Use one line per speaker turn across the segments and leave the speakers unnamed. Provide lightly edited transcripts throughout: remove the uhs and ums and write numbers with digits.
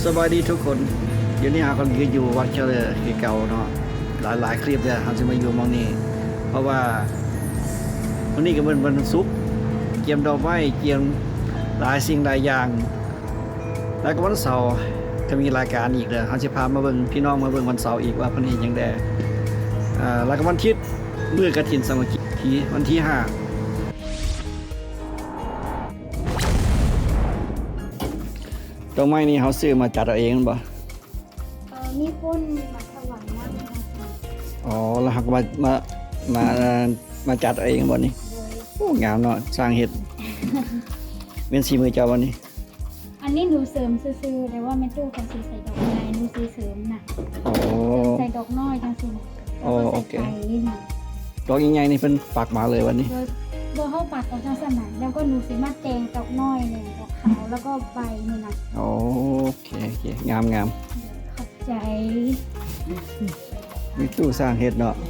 สบายดีทุกคนเดี๋ยวนี้หาคนยืนอยู่วัดเฉลิมที่เก่าเนาะหลายคลิปเลยเขาจะมาอยู่มองนี้เพราะว่าวันนี้ก็เป็นวันศุกร์เกียมดอกไม้เกียมหลายสิ่งหลายอย่างแล้วก็วันเสาร์ก็มีรายการอีกเลยเขาจะพามาเบิ่งพี่น้องมาเบิ่งวันเสาร์อีกว่าเพิ่นเฮ็ดหยังแดแล้วก็วันอาทิตย์มื้อกฐินสามัคคีวันที่5ดอกไม้นี่เขาซื้อมาจัดเอาเองบ่
มีคนมาถวายน้ำนะคะ
อ๋อแล้วหักมาจัดเอาเองบ่นี่โอ้งามเนาะสร้างเฮ็ดเป็นสีมือเจ้าบ่นี่
อันนี้หนูเสริมซื่อๆแต่ว่าไม่ตู้เขาสีใส่ดอกไม้หนูสีเสริมนะ
โอ้
ใส่ดอกน้อยจังสิ
โอ้
แล้วก็
โอ
ใส่
เค
ไก่นี่นะ
ดอกใหญ่ๆนี่เพิ่นปักมาเลยวันนี้
โดยเข้าปัดออกจากสนามแล้วก็หนูสีมาแตงดอกน้อยเนี่ยดอกขาวแล้วก็ใบนี่นะ
โอเคงาม
ขอบใจ
มีตู้สร้างเฮ็ดเนาะ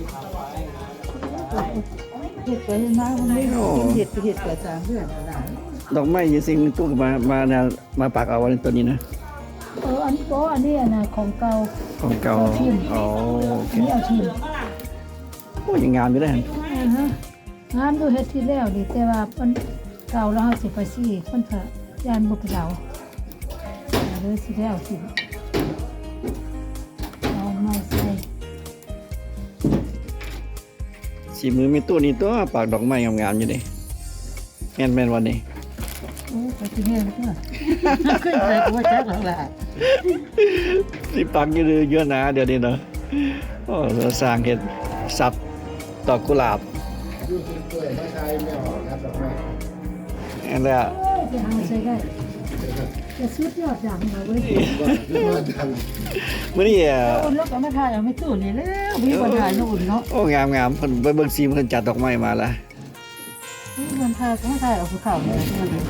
เห็ดไปนะมันไม่รู้เห็ดไปสามเดือนแล้วนะ
ดอกไม้อยู่สิ่งตู้ก็มาปักเอาไว้ตัวนี้นะ
อันนี้ก็อันนี้นะของเก่า
ของเก่าอ๋อโอเค
นี่เอาชิม
โอ้ยังงามอยู่เลยหั่น
งานดูเห็ดที่แล้วดิแต่ว่ามันเก่าแล้วเขาสิไปซี่คนเถอะยานบุกเราเลยสิแล้วสิเอาไม่ใส่
สีมือมีตู้นี่ตัวปักดอกไม้งามๆอยู่ดิแม่นวันนี้
โอ้ไปที่แม่เพื่อขึ้นไปกูว่าจักหลังละ
สิปักอยู่เยอะนะเดี๋ยวนี้เนาะโอ้เราสร้างเฮ็ดสับดอกกุหลาบอันนี้
จะหาใส่ได้จะสุดยอดอย่างมาเว้ย
มื้อนี้
อุ่นแล้วก็มาถ่ายเอาไม่ตู้นี่แล้วมีปัญหาอุ่นเนาะ
โอ้งามเพิ่นไปเบิ่งซีเพิ่นจัดดอกไม้มาแล้ว
มันถ่ายต้องถ่ายเอาภูเขาเนี่ยมันเลย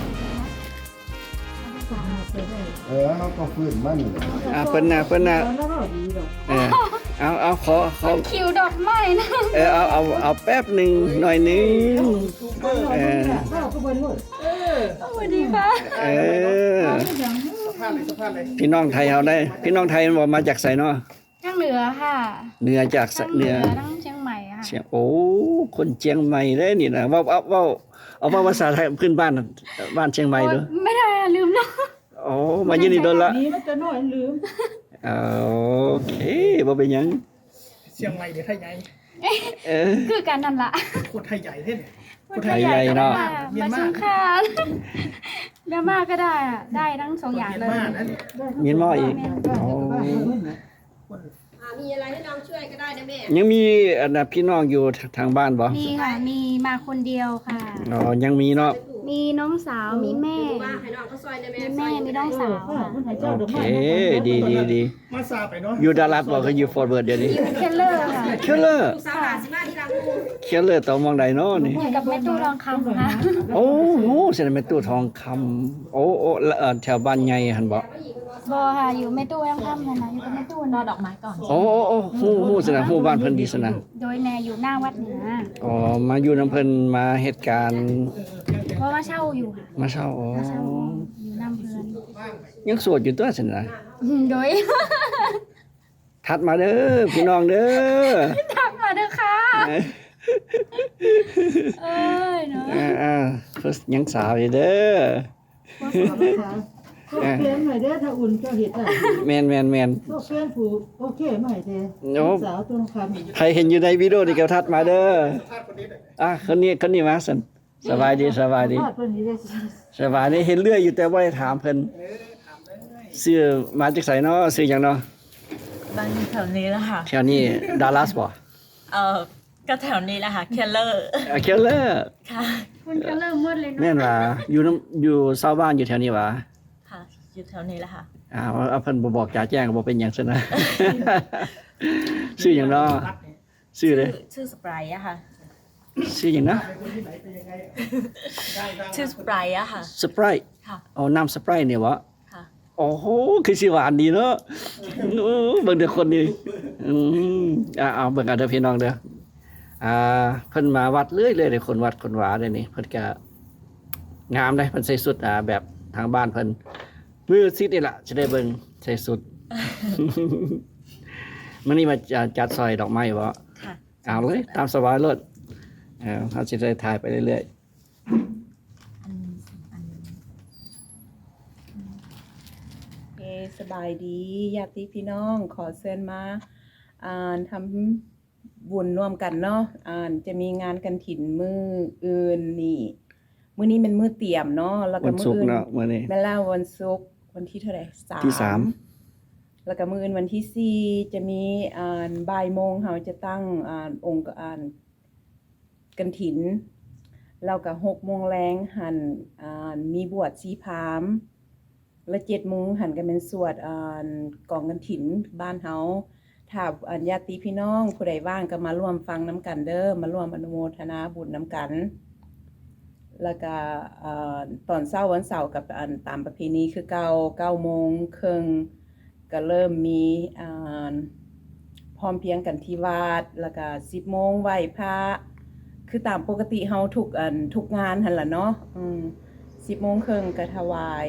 เขาก็ฟื้นมัน
เพิ่นน่ะ
แล้วก็ดีดอก
เอาขอ
คิวดอกไม้นะ
เอาแป๊บหนึงหน่อยหนึง
ข้าวก็บนรถ
สวัสดีค่ะ
เออพี่น้องไทยเฮาได้พี่น้องไทยมันบ่มาจากไสเนาะ
ทางเหนือค่ะ
เหนือจาก
ทางเห
เห
นื
นื
อ
อ
ทั้งเชียงใหม่ค่ะ
เชียงโอ้คนเชียงใหม่เด้นี่นะเอาภาษาไทยขึ้นบ้านเชียงใหม่เด้อ
ไม่ได้อะลืมเนาะ
โอ้มาอยู่นี่โดนละ
นี่มันจะน้อยลืม
โอเคบ่เป็นหยัง
เชียงใหม่เดี๋ยวไทยใหญ่
เออ
คือกันนั่นละ
โคตรไทยใหญ่เท่เนี่ย
คนไทยใหญ่เนาะ
มาชงคานเมียนมาก็ได้อะได้ทั้งสองอย่างเลย
มากนะเนี่ย
มีหม้ออีกโอ้
มีอะไรให้น้องช่วยก็ได้นะแม่
ยังมีอันน่ะพี่น้องอยู่ทางบ้านบ่
มีค่ะ มีมาคนเดียวค่ะ
อ๋อยังมีเนาะ
มีน้องสาว มีแม่
ว่าให้น้องเขาซอยนะแม่
มีแม่ มีน้องสาวค่ะ
โอเคดี
มาซาไปเนาะ
อยู่ดารัสบ่คืออยู่ฟอร์เวิร์ดเดี๋ยวนี้
อยู่เคลเลอร์ค่ะ
เคลเลอร์
ลูกสาวหลานสิมาที่รังงู
เคลเลอร์ตองมองใดเนาะนี่
อยู่กับแม่ตู้รองคำค่ะ
โอ้โหเสร็จแม่ตู้ทองคำโอ้แล้วแถวบ้านใหญ่หั่นบ่
บอค่ะ อยู่แม่ตู้รองคำนะนะอยู่กับแม่ตู้รอดอกไม้ก่อน
โอ้ฮู้สนะฮู้บ้านเพิ่นดีสนะ
โดยแม่อยู่หน้าวัดเหนือ
อ๋อมาอยู่น้ำเพิ่นมาเหตุการณ์
เพราะว่าเช่าอยู่ค่ะ
มาเช่าอ๋อ
เช่าอยู่น้ำเพื่อน
ยังโสดอยู่ตัวสินะ
โดย
ทัดมาเด้อพี่น้องเด้อ
ทักมาเด้อค่ะเอ้ยเนาะ
เพิ่นยังสาวอยู่เด้อ
ก็เปลี่ยนใหม่เด้อถ้าอุ่นก็เห็ดได้
แม่น
ก็เปลี่ยนผูกโอเคใหม่เด้สาวตรงคำ
ใครเห็นอยู่ในวิดีโอนี่ก็ทัดมาเด้อคนนี้มาสั่นสบายดี
ทอดเพิ่นนี่ได้
สบายดีเห็นเรื่อยอยู่แต่บ่ได้ถามเพิ่นชื่อมาจากไสเนาะชื่อหยังเนาะ
บ้านแถวนี้แหละค่ะ
แถวนี้ดัลลัสบ่
ก็แถวนี้แหละค่ะ เคลเลอร์
เคลเลอร์
ค่ะ
คุณก็เริ่มมืดเลยเนาะ
แม่นว่าอยู่ชาวบ้านอยู่แถวนี้หว่า
ค่ะ อยู่แถวนี้แหละค่ะ
เอาเพิ่นบ่บอกจ๋าแจ้งก็บ่เป็นหยังซะนะ ชื่อหยังเนาะชื่อเลย
ชื่อสไปร์อะค่ะ
ชื่อหยังนะ
ชื่อสไปร์อะค่ะ
สไปร์
ค่ะ
เอาน้ำสไปร์เนี่ยวะ
ค่ะ
โอ้โหคือสิหวานดีเนาะเบิ่งเด้อคนนี้เอาเบิ่งเอาเด้อพี่น้องเด้อเพิ่นมาวัดเรื่อยๆเลยคนวัดคนหวาเด้นี่เพิ่นก็งามได้เพิ่นใส่สุดแบบทางบ้านเพิ่นมือซิดนี่ล่ะสิได้เบิ่งใส่สุด มันนี่มาจัดซอยดอกไม้บ่
ค่ะ
เอาเลยตามสบายเลยเขาจะได้ถ่ายไปเรื่อย
โอเคสบายดีญาติพี่น้องขอเชิญมาทำบุญร่วมกันเนาะจะมีงานกันถิ่นมื้ออื่นนี่มื้อนี้เป็นมื้อเตรียมเนาะแล้ว
ๆ
ก็
วัน
มื้
ศุ
อก
ร์
อื่น
เนาะมื้อนี้
แม่นแล้ววันศุกร์วันที่เท่าไหร่
ที่สาม
แล้วก็มื้ออื่นวันที่4จะมีบ่ายโมงเฮาจะตั้งองค์กันถิ่นแล้วก็6 โมงแลงหันมีบวชชีพราหมณ์ และ7 โมงหันกันเป็นสวดกองกันถิ่นบ้านเฮาถ้าญาติพี่น้องผู้ใดว่างก็มาร่วมฟังน้ำกันเด้อมาร่วมอนุโมทนาบุญน้ำกันแล้วก็ตอนเช้าวันเสาร์กับตามประเพณีคือ9 โมงครึ่งก็เริ่มมีพร้อมเพรียงกันที่วัดแล้วก็10 โมงไหว้พระคือตามปกติเฮาทุกงานหั่นล่ะเนาะ10 โมงครึ่งก็ถวาย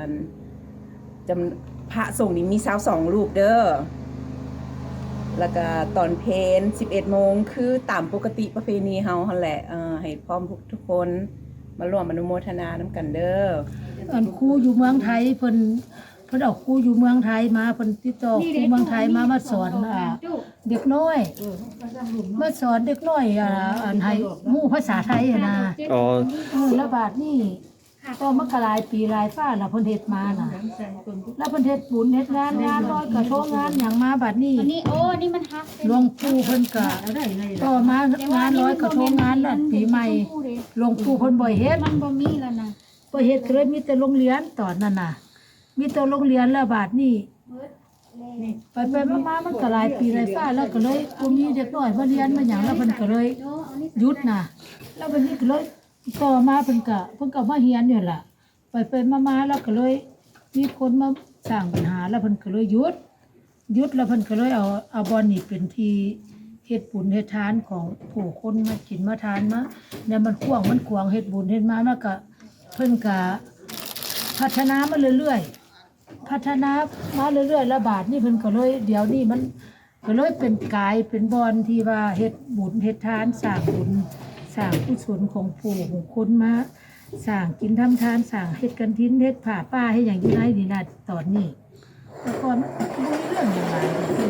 พระสงฆ์นี่มี22รูปเด้อแล้วก็ตอนเพล11 โมงคือตามปกติประเพณีเฮาหั่นแหละให้พร้อมทุกคนมาร่วมอนุโมทนานํกันเด้อ
อันครูอยู่เมืองไทยเพิ่นเอาครูอยู่เมืองไทยมาเพิ่นติดต่อครูเมืองไทยมาสอนเด็กน้อยมาสอนเด็กน้อยอันให้ฮู้ภาษาไทยนะ
อ๋อ
แล้วบาดนี้ก็มันก็หลายปีหลายฟ้าแล้วเพิ่นเฮ็ดมาน่ะแล้วเพิ่นเฮ็ดบุญเฮ็ดงานลอยกระทงงานหยังมาบัดนี้
อันนี้โอ้นี่มันฮัก
หลวงปู่เพิ่นก็ต่อมางานลอยกระทงงานนั่นปีใหม่หลวงปู่เพิ่นบ่เฮ็ด
มันบ่มีแล้วนะ
บ่เฮ็ดก็เลยมีแต่โรงเรียนตอนนั้นน่ะมีแต่โรงเรียนแล้วบาดนี้ไปมามันก็หลายปีหลายฟ้าแล้วก็เลยบ่มีเด็กน้อยมาเรียนมาหยังแล้วเพิ่นก็เลย
โอ้อันนี้
หยุดน่ะแล้วบัดนี้ก็เลยต่อมาเพิ่นก็มาเรียนอยู่ล่ะไปมาแล้วก็เลยมีคนมาสร้างปัญหาแล้วเพิ่นก็เลยหยุดแล้วเพิ่นก็เลยเอาบ่อนนี่เป็นที่เฮ็ดบุญเฮ็ดทานของผู้คนมากินมาทานมาเนี่ยมันกว้างมันกวางเฮ็ดบุญเฮ็ดมาแล้วก็เพิ่นก็พัฒนามาเรื่อยๆแล้วบาดนี้เพิ่นก็เลยเดี๋ยวนี้มันก็เลยเป็นกายเป็นบ่อนที่ว่าเฮ็ดบุญเฮ็ดทานสร้างบุญสร้างกุศลของผู้ของคนมาสร้างกินทำทานสร้างเฮ็ดกันทิ้นเฮ็ดผ้าป้าให้อย่างอยู่ในนี่นะตอนนี้แต่ก่อนมันบ่มีเรื่องอย่างไร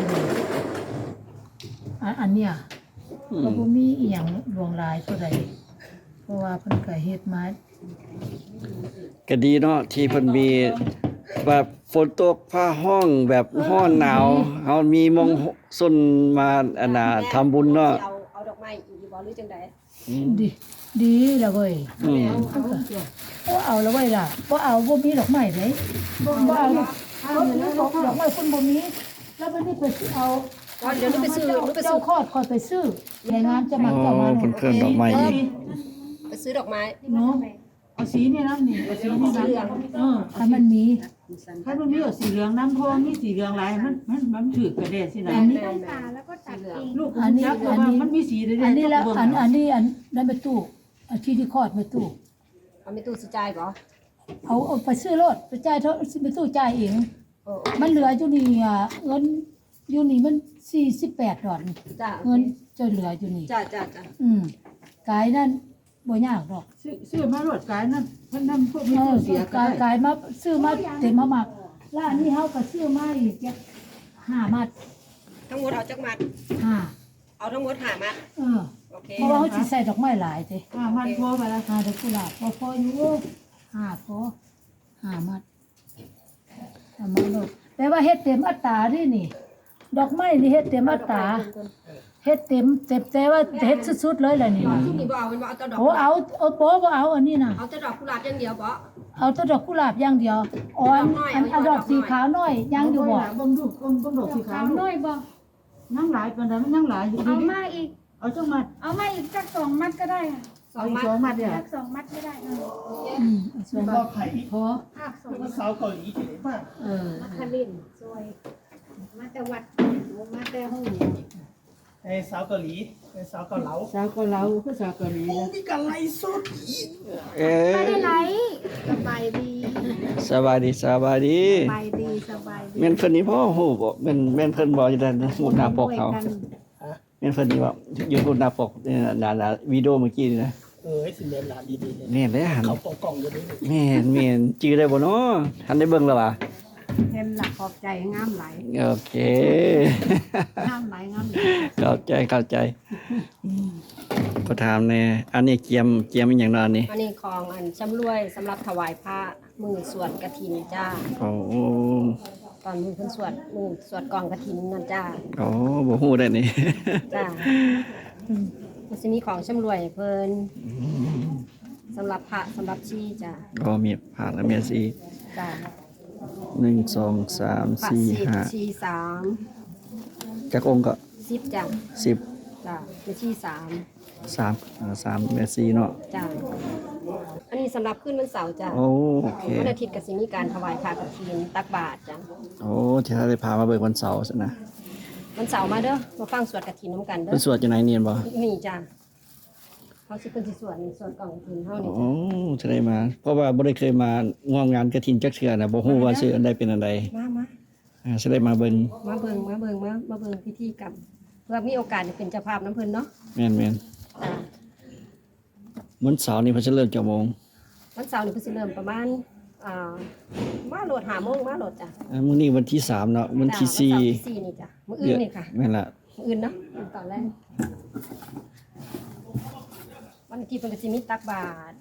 อันเนี้ยก็บ่มีอีหยังลวงลายเท่าใดเพราะว่าเพิ่นก็เฮ็ดมา
ก็ดีเนาะที่เพิ่นมีแบบฝนตกผ้าห้องแบบร้อนหนาวเฮามีมงส้นมาอันน่ะทำบุญเนาะ
เอาดอกไม้อีกบ่หรือจังได๋
ดีแล้วเว้ย
อืม
บ่เอาแล้วเว้ยล่ะบ่เอาบ่มีดอกไม้เด้บ่เอาดอกไม้คนบ่มีแล้วบัดนี้ไปเอา
เดี๋ยวหนูไปซื้อ
เจ้าคอดคอยไปซื้อในงานจะมา
อ๋อ
เจ้ามา
เพิ่นเครื่องดอกไม้อีก
ไปซื้อดอกไม้
เนาะ
เอาสีนี่นะนี่เอาสีนี่นะ
ถ้ามันมี
ถ้ามันมีเอาสีเหลืองน้ำทองมีสีเหลืองหลายมันถือกระเด็นสินะ
อันนี้ต้องตาแล้วก็ตัดเอง
ลูกจักว่ามันมีสีเด็ด
อันนี้แล้วอันนี้นั้นไปตู้เอาที่ที่คอดไปตู้
เอาไม่ตู้สิจ่ายบ่
เอาไปซื้อรถไปจ่ายเท่าไปตู้จ่ายเอง
โอ้
มันเหลืออยู่นี่เงินอยู่นี่มัน48ดอล
จ้า
เงินจะเหลืออยู่นี่
จ้า
กายนั่นบ่ยากดอก
ซื้อมารถกายนั่นมันนำพวกมีเสีย
กายมาซื้อมาเต็มมาหมักแล้วอันนี้เฮาก็ซื้อมาอีกจัก5มัด
ทั้งหมดเอาจักมัด
5
เอาทั้งหมด5มัดโอเค
เพราะว่าเฮาสิใส่ดอกไม้หลายเด้
มันพอไปแล้ว
ดอกกุหลาบพออยู่5พอ5มัดเอามาโลดแต่ว่าเฮ็ดเต็มอัตราเด้นี่ ดอกไม้นี่เฮ็ดเต็มอัตราเฮ็ดเต็มแต่ว่าเฮ็ดสุดๆเลยแหละนี่
ทุกนี่บ่เอาเป็นบ่เอาแต่ดอก
โอ้เอาบ่เอาอันนี้น่ะ
เอาแต่ดอกกุหลาบอย่างเดียวบ่
เอาแต่ดอกกุหลาบอย่างเดียวอ๋ออันดอกสีขาวน้อยยังอยู่บ่
บ่ดูบ่ดอกสีขา
ขาว วน้อยบ่
นั่งหลายปานใดมันนั่งหลายอยู่
เอามาอีก
เอาจังมา
เอามาอีกสัก2 มัดก็ได้ค่ะ
เอาอีก2มัดเนี่ย
สัก2 มัดก็ได้
ส่วน
ก็ไข่
พอ
ภาคสอง
สาวเกาหลีที่ไหนมาก
คารินซอยมาแต่วัดมาแต่ห้อง
ในสาวเกาหลีในสาวเกาเหลา
สาวก็เราคือสาวเกาหลี
โอ้มีการไล่สดอีก
เอ๊ะ
ไม่ได้ไลฟ์
สบายดี
สบายดีสบายดี
สบายดีสบายดี
แม่นเพิ่นนี่พ่อฮู้บ่แม่นเพิ่นบ่อยู่ด้านฮู้หน้าปกเขาแม่นเพิ่นนี่บ่อยู่ฮู้หน้าปกนี่น่ะวิดีโอเมื่อกี้นี่นะ
สิเรียนหลานดีๆเลย
แม่นเด้หัน
เขากล่องๆอยู่นี่
แม่นจื้อได้บ่เนาะทันได้เบิ่งแล้วว่ะ
เห็นหลักขอบใจงามไหล
โอเค
งามไหลงามไหล
เข้าใจก็ถามแน่อันนี้เกียมอีหยังเนาะอันนี้
อันนี้ของอันชำรวยสำหรับถวายพระมือสวดกฐินจ้า
โอ้
ตอนมือเพิ่นสวดมือสวดกองกฐินนั่นจ้า
โอ้บ่ฮู้ได้นี่
จ้ามันสิมีของชำรวยให้เพิ่นสำหรับพระสำหรับชีจ้า
ก็มีผ่านแล้วมีสี่
จ้า
1 2 3
พระ
4
ชีสาม
5จักองค์ก็
10จ้า
10
จ้าเป็นชีสาม
3เมตร4เนาะ
จ้าอันนี้สำหรับขึ้นวันเสาร์จ้า
โอเค
วันอาทิตย์ก็สิมีการถวายพระกฐินตักบาตรจ้า
โอ้ที่เราได้พามาเบิกวันเสาร์ซะนะ
วันเสาร์มาเด้อมาฟังสวดกฐินน้ำกันเด้
เป็น
อ
สวดจังไหนเนียนบ่
นี่จ้าเขาสิเพิ่นสิสวดนี่สวดกล่องกฐินเฮานี่
โอ้
จ้ะ
จะได้มา เพราะว่าบ่ได้เคยมางอมงานกฐินจักเทื่อนะบ่ฮู้ว่าชื่ออันใดเป็นอันใด
มา
จะได้มาเบิ่ง
มาเบิ่งพิธีกรรมเพื่อมีโอกาสได้เป็นเจ้าภาพน้ำเพิ่นเนาะ
แม่น
จ้า
วันเสาร์นี้เพิ่นจะเริ่มกี่โมง
วันเสาร์นี่เพิ่นสิเริ่มประมาณมาโหลด5 โมงมาโหลดจ้ะ
มื้อนี้วันที่3เนาะวันที่
จ้ะ
4
วันเสาร์ที่4นี่จ้ะมื้ออื่นนี่ค่ะ
แม่นละ
มื้ออื่นเนาะตอนแรกวันอาทิตย์เพิ่นก็สิมีตักบาตร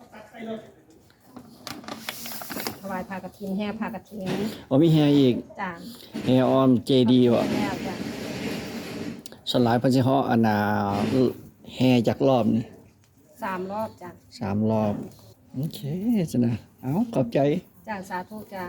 ถวายผ้ากฐินแห่ผ้ากฐิน
บ่มีแฮอีก
จ้า
แฮออมเจดีย์บ่
แล้วจ้ะ
สลายเพิ่นสิเฮาะอันน่ะแฮจักรอบนี่
3 รอบจ้ะ
3รอบโอเคซะนะเอ้าขอบใจ
จ้าสาธุจ้า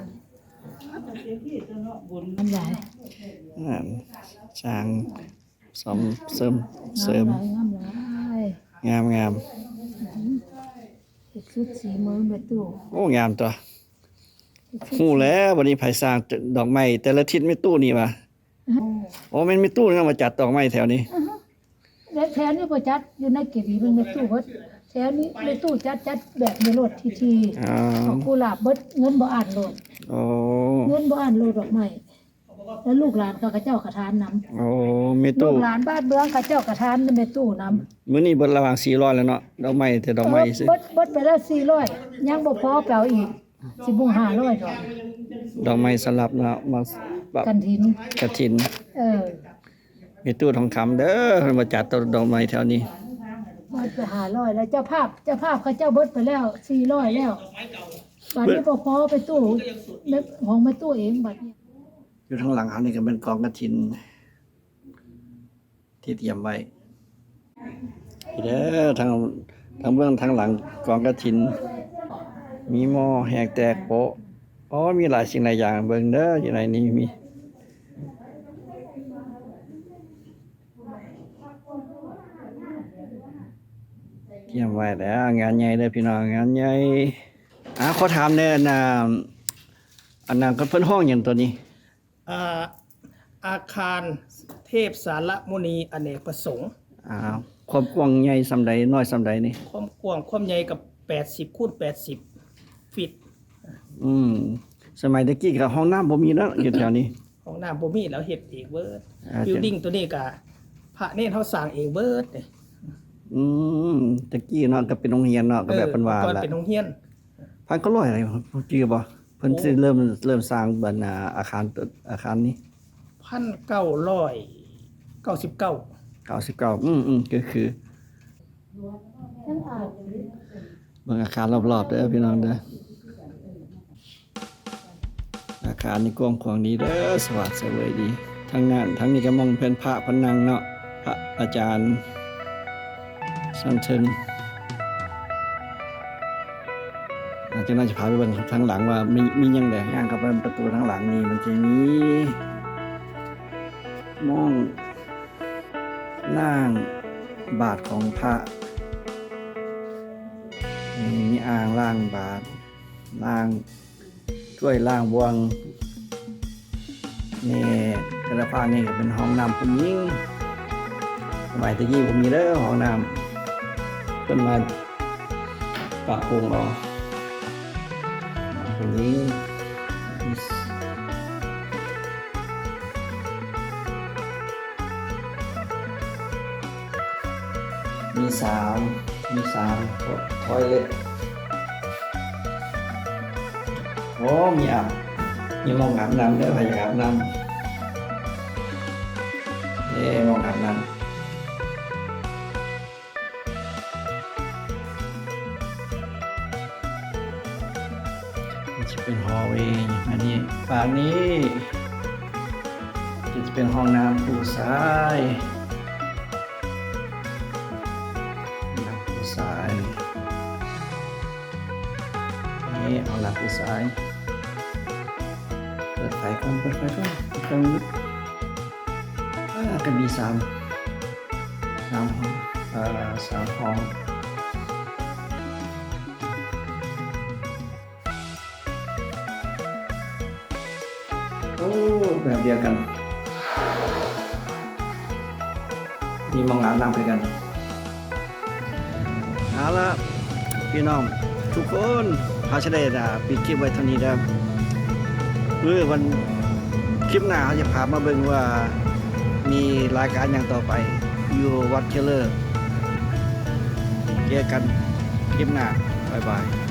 มันใหญ่
อ่าช่างสมเสริม
งามหลาย
งาม
เฮ็ดชุดสีมือแม่ตู้
โอ้งามตัวฮู้แล้ววันนี้ไผสร้างดอกไม้แต่ละทิศไม่ตู้นี่ว่ะโอ้แม่นมีตู้นำมาจัดดอกไม้แถวนี้
แล้วแถวนี้บ่จัดอยู่ในเก็บอีมันแม่ตู้เบิดแถวนี้แม่ตู้จัดแบบในรถที
อ๋อ
ของกุหลาบเบิดเงินบ่อ่านโลด
โอ้
เงินบ่อ่านโลดดอกไม้แล้วลูกหลานเขาเจ้ากระทานนำ
โอ้มี
ลู
ตู้
กหลานบ้านเมืองเขาเจ้ากระทานแม่ตู้นำ
มื้อนี้เบิดระหว่าง400แล้วเนาะดอกไม้แต่ดอกไม้สิ
เบิดไปแล้ว400ยังบ่พอแปลอีกสิบ่500ดอก
ดอกไม้สลับเนาะมาแบบ
กันถิน
กฐิน มีตู้ทองคำเด้อเพิ่นมาจัดดอกไม้แถวนี้
เบิดไป500แล้วเจ้าภาพเขาเจ้าเบิดไปแล้ว400แล้วบัดนี้บ่พอไปตู้ของแม่ตู้เองบัดนี้
อยู่ข้างหลังเฮานี่ก็เป็นกองกฐิน ที่เตรียมไว้นี่เด้อทางเบื้องทางหลังกองกฐิน มีหม้อแหกแตกโปะอ๋อมีหลายสิ่งหลายอย่างเบิ่งเด้ออยู่ในนี้มีเตรียมไว้แล้วงานใหญ่เด้อพี่น้องงานใหญ่ขอถามแน่น่ะอันนั้นก็เพิ่นห้องหยังตัวนี้
อาคารเทพสารมุนีอเนกประสงค์
ความกว้างใหญ่ส่ำใดน้อยส่ำใดนี่
ความกว้างความใหญ่กับ80คูณ80ฟิต
สมัยตะกี้ก็ห้องน้ำบ่มีแล้วอยู่แถวนี้
ของน้ำบ่มีแล้วเฮ็ดเองเบิด
อ่า
บิลดิ้งตัวนี้ก็พระเนตรเฮาสร้างเองเบิดเนี่ย
ตะกี้เนาะก็เป็นโรงเรียนเนาะก็แบบเพิ่นว่า
ก่อน
ล่ะ
เป็นโรงเรียน
พันก็ร้อยอะไรจื้อบ่เพิ่นสิเริ่มสร้างบัดอาคารนี้
1999
99ก็คือเบิ่งอาคารรอบๆเด้อพี่น้องเด้ออาคารนี่กว้างขวางดีเด้อสวัสดิ์เสวยดีทั้งนั้นทั้งนี้ก็มองเพิ่นพระพนังเนาะพระอาจารย์สันเทิงอาจจะน่าจะพาไปเบิ่งทางหลังว่ามีหยังแดย่างเข้าไปประตูทางหลังนี่มันจะมีมองล่างบาทของพระมีอ่างล่างบาทล่างถ้วยล่างบวงนี่กระพานี่ก็เป็นห้องน้ำผู้หญิงสมัยตะกี้ผมมีเด้อห้องน้ำเพิ่นมาปะปรุงเอาเป็นนี้มีสามทอยเล็ตโอ้มีอาบมีมองอาบน้ำด้วยใครอยากอาบน้ำมองอาบน้ำจะเป็นฮอลล์เวย์อันนี้ฝั่งนี้จะเป็นห้องน้ำผู้ชายน้ำผู้ชายนี่ห้องน้ำผู้ชายเปิดไฟก่อนตรงนี้ก็มี3 ห้อง3 ห้องโอ้แบบเดียวกันมีมองอาบน้ำไปกันเอาละพี่น้องทุกคนเขาจะได้ปิดคลิปไว้เท่านี้แล้วเมื่อวันคลิปหน้าเขาจะพามาเบิ่งว่ามีรายการอย่างต่อไปอยู่วัดเคลเลอร์เจอกันคลิปหน้าบ๊ายบาย